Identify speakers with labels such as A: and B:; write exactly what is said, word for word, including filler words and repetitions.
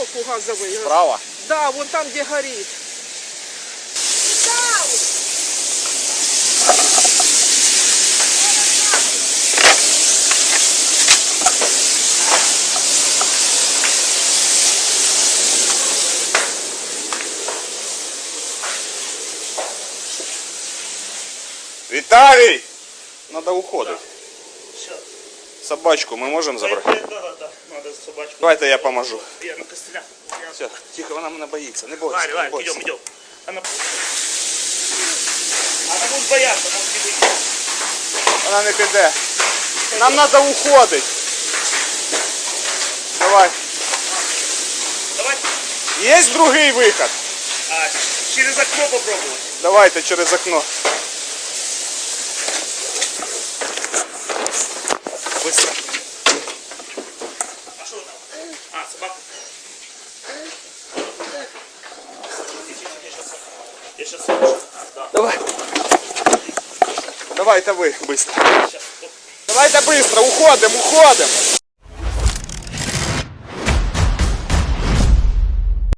A: сбоку газовый.
B: Справа?
A: Да, вон там, где горит.
B: Виталий! Надо уходить.
C: Сейчас.
B: Собачку мы можем забрать?
C: Да, да, да. Надо собачку.
B: Давайте я поможу.
C: Я на костылях.
B: Все, тихо, вона мене боїться. Не бойся,
C: Варя,
B: не
C: Варя,
B: бойся.
C: идем, идем. Она... Она будет бояться, может не выйти.
B: Вона не піде. Нам треба уходити. Давай.
C: Давай.
B: Є другий виход?
C: А, через окно попробовать.
B: Давайте через окно. Быстро.
C: А что там? А, собака. Я сейчас да.
B: Давай. Давайте ви, быстро.
C: Сейчас.
B: Давайте быстро, уходимо, уходимо.